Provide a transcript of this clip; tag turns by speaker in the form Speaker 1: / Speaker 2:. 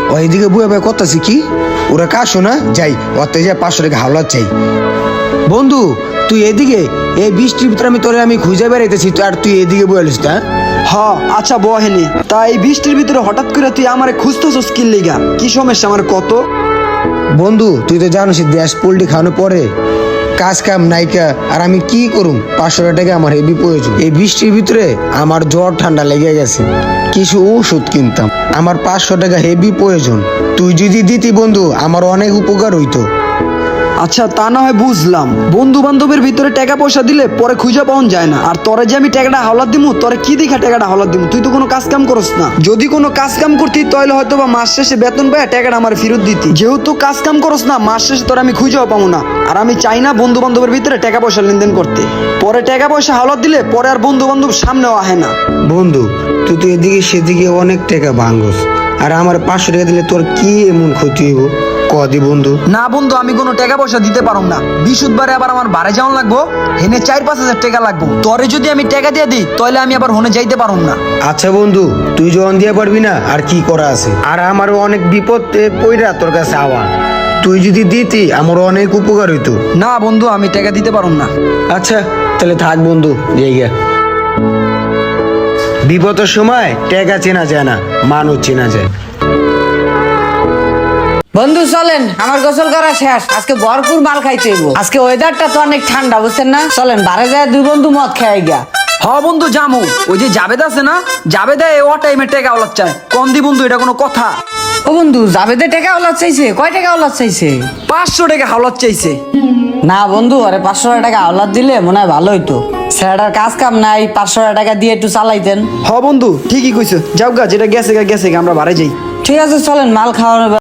Speaker 1: এদিকে বুয়া ভাই করতেছি কি ওরা কাশো না যাই ওতে যা 500 টাকা হাওলাত চাই। বন্ধু তুই এদিকে এই বৃষ্টির ভিতরে আমি খুঁজে বেড়াইতেছি আর তুই এদিকে বলিস না।
Speaker 2: হ আচ্ছা বহেনি তা এই বৃষ্টির ভিতরে হঠাৎ করে তুই আমারে খুঁজতেছস কি লিগা? কি সমস্যা আমার কত?
Speaker 1: বন্ধু তুই তো জানিস দেশ পোল্ট্রি খাওয়ানোর পরে কাজ কাম নাইকা আর আমি কি করুম, 500 টাকা আমার হেভি প্রয়োজন। এই বৃষ্টির ভিতরে আমার জ্বর ঠান্ডা লেগে গেছে, কিছু ওষুধ কিনতাম, আমার 500 টাকা হেভি প্রয়োজন। তুই যদি দিতি বন্ধু আমার অনেক উপকার হইতো।
Speaker 2: আচ্ছা তা না হয় বুঝলাম, বন্ধু বান্ধবের ভিতরে টাকা পয়সা দিলে পরে খুঁজে পাওয়া যায় না। আর তোরে যে আমি টাকাটা হাওলাত দিমু, তোরে কি দেখা টাকাটা হাওলাত দিমু? তুই তো কোনো কাজ কাম করস না। যদি কোনো কাজ কাম করতি তাহলে হয়তো বা মাস শেষে বেতন পায় টাকাটা আমার ফেরত দিতি। যেহেতু কাজ কাম করস না, মাস শেষে তোর আমি খুঁজেও পাবো না। আর আমি চাই না বন্ধু বান্ধবের ভিতরে টাকা পয়সা লেনদেন করতে। পরে টাকা পয়সা হাওলাত দিলে পরে আর বন্ধু বান্ধব সামনেও আহে না।
Speaker 1: বন্ধু তুই তো এদিকে সেদিকে অনেক টাকা ভাঙ্গস, আর আমার 500 টাকা দিলে তোর কি এমন ক্ষতি হইব কদি বন্ধু?
Speaker 2: না বন্ধু আমি কোনো টাকা পয়সা দিতে পারম না। বিশুদ্ধবারে আবার আমার বাড়ি যাওয়ান লাগবো, হেনে 4-5 হাজার টাকা লাগবো। তোরে যদি আমি টাকা দিয়ে দিই তাহলে আমি আবার হনে যাইতে পারম না।
Speaker 1: আচ্ছা বন্ধু তুই যখন দিয়ে পারবি না আর কি করা আছে, আর আমারও অনেক বিপদ পইরা তোর কাছে আওয়া, তুই যদি দিতি আমার অনেক উপকার হইতো।
Speaker 2: না বন্ধু আমি টাকা দিতে পারম না।
Speaker 1: আচ্ছা তাহলে থাক বন্ধু, জায়গা বিপদের সময় টাকা চেনা যায় না, মানুষ চেনা যায়।
Speaker 3: বন্ধু চলেন, আমার গোসল করা শেষ, আজকে ভরপুর মাল খাইতে হইব। আজকে ওয়েদারটা তো অনেক ঠান্ডা বুঝছেন না, চলেন বারে যায় দুই বন্ধু মদ খাই গিয়া।
Speaker 2: হ বন্ধু জামু, ওই যে জাবেদ আছে না, জাবেদা ও টাইমে টাকা ওলাদ চায়। কম দি বন্ধু, এটা কোনো কথা?
Speaker 3: ও বন্ধু জাবেদে টাকা ওলাদ চাইছে? কয় টাকা ওলাদ চাইছে?
Speaker 2: 500 টাকা হাওলাত চাইছে।
Speaker 3: না বন্ধু, আরে 500 টাকা আওলাদ দিলে মনে হয় ভালো হইতো। স্যারটার কাজ কাম নাই, 500 টাকা দিয়ে একটু চালাইতেন।
Speaker 2: হ বন্ধু ঠিকই কইছো, যাও গা, যেটা গেছে গা গেছে গা, আমরা বাড়ি যাই।
Speaker 3: ঠিক আছে চলেন, মাল খাওয়ানো